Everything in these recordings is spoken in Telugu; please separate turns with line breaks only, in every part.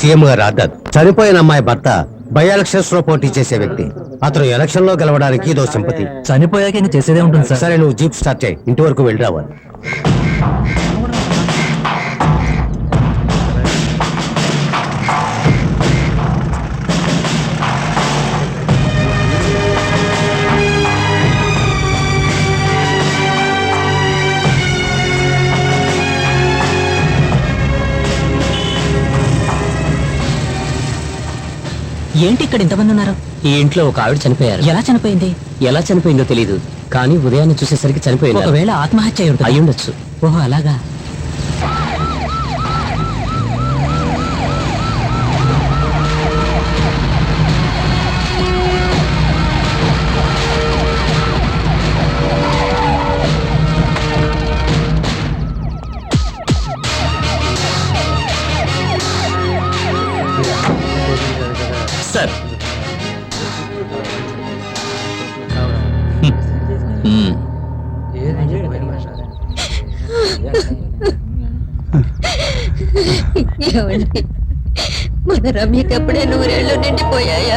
సీఎం గారు ఆర్డర్. చనిపోయిన అమ్మాయి భర్త బై ఎలక్షన్స్ లో పోటీ చేసే వ్యక్తి. అతను ఎలక్షన్ లో గెలవడానికి ఇదో సింపతి.
చనిపోయాక ఇంకా చేసేదే ఉంటుంది సార్.
సరే, నువ్వు జీప్ స్టార్ట్ చేయి, ఇంటి వరకు వెళ్ళి రావాలి.
ఏంటి ఇక్కడ ఇంతమంది ఉన్నారు?
ఈ ఇంట్లో ఒక ఆవిడ చనిపోయారు.
ఎలా చనిపోయింది?
ఎలా చనిపోయిందో తెలియదు, కానీ ఉదయాన్నే చూసేసరికి చనిపోయింది.
ఒకవేళ ఆత్మహత్య అయి ఉంటుంది.
అయి ఉండొచ్చు.
ఓహో, అలాగా.
సార్,
ఏమండి, మన రమ్యకి అప్పుడే 100 ఏళ్ళు నిండిపోయాయా?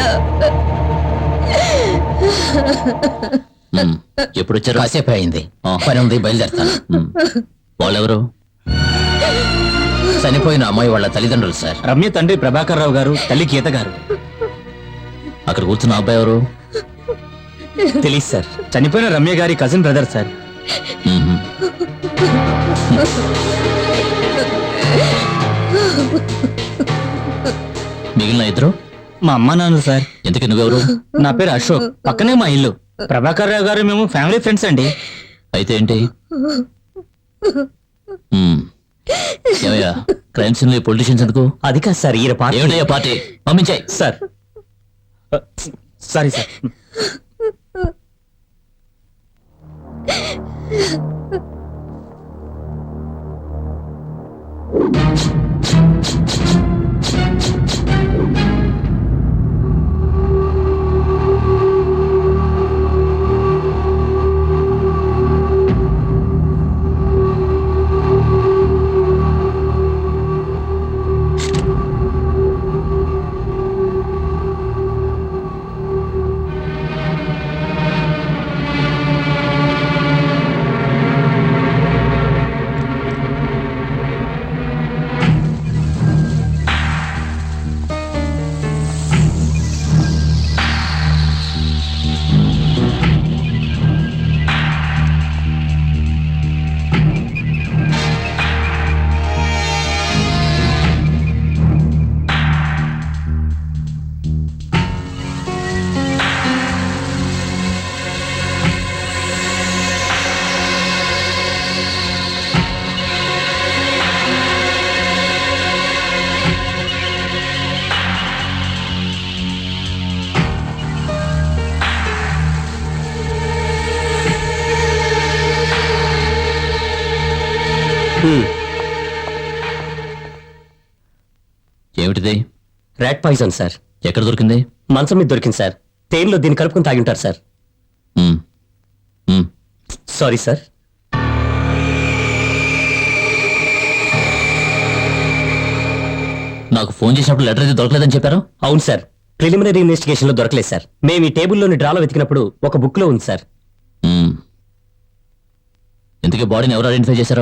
ఎప్పుడు వచ్చారు?
కాసేపు అయింది, పని ఉంది, బయలుదేరుతాను.
వాళ్ళెవరు?
చనిపోయిన అమ్మాయి వాళ్ళ తల్లిదండ్రులు సార్.
రమ్య తండ్రి ప్రభాకర్ రావు గారు, తల్లి గీత గారు.
అక్కడ కూర్చున్న అబ్బాయి ఎవరు?
తెలియదు సార్. చనిపోయిన రమ్య గారి కజిన్ బ్రదర్ సార్.
మ్మ్. మిగిలిన ఇద్దరు
మా అమ్మా నాన్నలు సార్.
ఎందుకు? నువ్వెవరు?
నా పేరు అశోక్, పక్కనే మా ఇల్లు. ప్రభాకర్ రావు గారు మేము ఫ్యామిలీ ఫ్రెండ్స్ అండి.
అయితే ఏంటి? ఏమయ్యా, క్రైమ్ సీన్ లో పొలిటీషియన్స్ ఎందుకు?
అది కాదు సార్, ఈయన పార్టీ.
ఏమిటయ్యా పార్టీ? పంపించాయి
సార్. Sorry sir.
ఏమిటిది?
Rat poison sir.
ఎక్కడ దొరికింది?
మంచం మీద దొరికింది సార్. తేనెలో దీన్ని కలుపుకొని తాగి ఉంటారు సార్.
మ్మ్. మ్మ్.
Sorry sir.
నాకు ఫోన్ చేసినప్పుడు లెటర్ అయితే దొరకలేదని చెప్పారు.
అవును సార్, ప్రిలిమినరీ ఇన్వెస్టిగేషన్ లో దొరకలేదు సార్. మేము ఈ టేబుల్లోని డ్రాలో వెతికినప్పుడు ఒక బుక్ లో ఉంది సార్.
మ్మ్. ఇంతకీ బాడీని ఎవరు ఐడెంటిఫై చేశారు?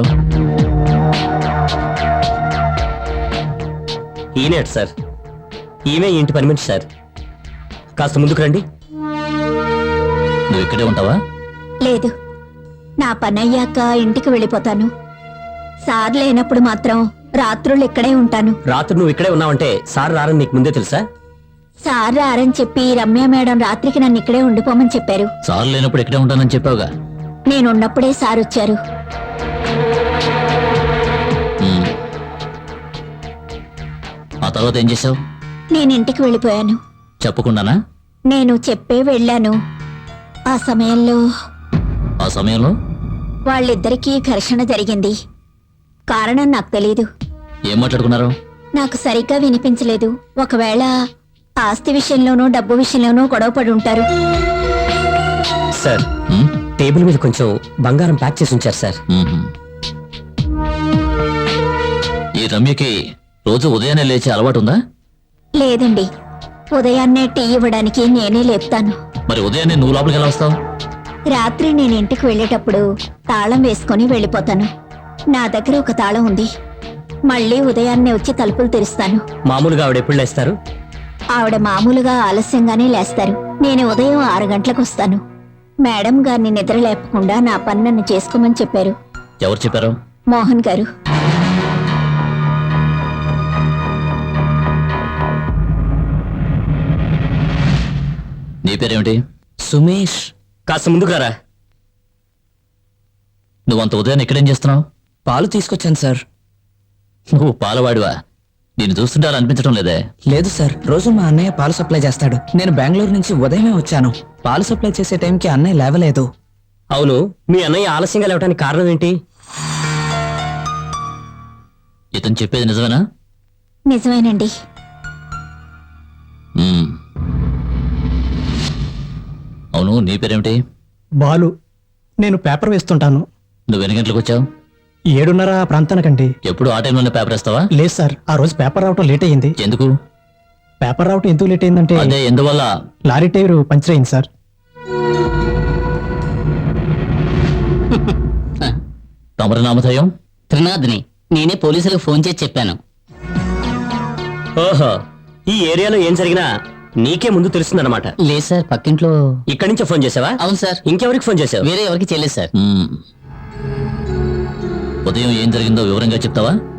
ఈనేట్ సార్. ఈమె ఇంటి పని మనిషి సార్. కాస్త ముందుకు రండి.
నువ్వు ఇక్కడే ఉంటావా?
లేదు, నా పని అయ్యాక ఇంటికి వెళ్ళిపోతాను. సార్ లేనప్పుడు మాత్రం రాత్రులు ఇక్కడే ఉంటాను.
రాత్రి నువ్వు ఇక్కడే ఉన్నావంటే సార్ రారని నీకు ముందే తెలుసా?
సార్ రారని చెప్పి రమ్య మేడం రాత్రికి నన్ను ఇక్కడే ఉండిపోమని చెప్పారు.
సార్ లేనప్పుడు ఇక్కడే ఉంటానని చెప్పావుగా.
నేనున్నప్పుడే సార్ వచ్చారు.
మ్మ్. ఆ తర్వాత ఏం చేసావు?
నేను ఇంటికి వెళ్ళిపోయాను.
చెప్పకుండానా?
నేను చెప్పే వెళ్ళాను. ఆ సమయంలో వాళ్ళిద్దరికీ ఘర్షణ జరిగింది. కారణం నాకు తెలీదు.
ఏం మాట్లాడుకున్నారు?
నాకు సరిగ్గా వినిపించలేదు. ఒకవేళ ఆస్తి విషయంలోనూ డబ్బు విషయంలోనూ గొడవపడి ఉంటారు.
సార్,
మ్మ్?
టేబుల్ మీద కొంచెం బంగారం ప్యాక్ చేసి ఉంచారు సార్.
మ్మ్. ఈ రమ్యకి రోజు ఉదయాన్నే లేచే అలవాటు ఉందా?
లేదండి, ఉదయాన్నే టీ ఇవ్వడానికి నేనే లేపుతాను.
మరి ఉదయాన్నే నువ్వు లోపలికి ఎలా వస్తావు?
రాత్రి నేను ఇంటికి వెళ్ళేటప్పుడు తాళం వేసుకొని వెళ్ళిపోతాను. నా దగ్గర ఒక తాళం ఉంది. మళ్ళీ ఉదయాన్నే వచ్చి తలుపులు తెరుస్తాను.
మామూలుగా ఆవిడ ఎప్పుడు లేస్తారు?
ఆవిడ మామూలుగా ఆలస్యంగానే లేస్తారు. నేను ఉదయం 6 గంటలకు వస్తాను. మేడం గారిని నిద్ర లేపకుండా నా పని నన్ను చేసుకోమని చెప్పారు.
ఎవరు చెప్పారు?
మోహన్ గారు.
నీ పేరేమిటి?
సుమేష్.
కాస్త ముందుగారా.
నువ్వంత ఉదయాన్నే ఇక్కడేం చేస్తున్నావు?
పాలు తీసుకొచ్చాను సార్.
నువ్వు పాలవాడివా? నేను చూస్తుంటే అలా అనిపించడం లేదే.
లేదు సార్, రోజు మా అన్నయ్య పాలు సప్లై చేస్తాడు. నేను బెంగళూరు నుంచి ఉదయమే వచ్చాను. పాలు సప్లై చేసే టైంకి అన్నయ్య లేవలేదు.
అవును, మీ అన్నయ్య ఆలస్యంగా లేవడానికి కారణం ఏంటి?
ఇతను చెప్పేది నిజమేనా?
నిజమేనండి.
మ్మ్. అవును, నీ పేరేమిటి?
బాలు. నేను పేపర్ వేస్తుంటాను.
నువ్వు ఎన్ని గంటలకు వచ్చావు?
7:30 ప్రాంతానికండి.
ఎప్పుడు ఆ టైంలోనే పేపర్ వేస్తావా?
లేదు సార్, ఆ రోజు పేపర్ రావటం లేట్ అయ్యింది.
ఎందుకు?
పేపర్ రావటం ఎందుకు లేట్ అయిందంటే
అదే ఎందువల్ల?
లారీ టైర్ పంచర్ అయింది సార్.
తమరి నామధేయం?
త్రినాథ్ని. నేనే పోలీసులకు ఫోన్ చేసి చెప్పాను.
ఓహో, ఈ ఏరియాలో ఏం జరిగినా నీకే ముందు తెలుస్తుందన్నమాట.
లేదు సార్, పక్కింట్లో.
ఇక్కడి నుంచే ఫోన్ చేసావా?
అవును సార్.
ఇంకెవరికి ఫోన్ చేసావు?
వేరే ఎవరికి చేయలేదు సార్.
మ్మ్. ఉదయం ఏం జరిగిందో వివరంగా చెప్తావా?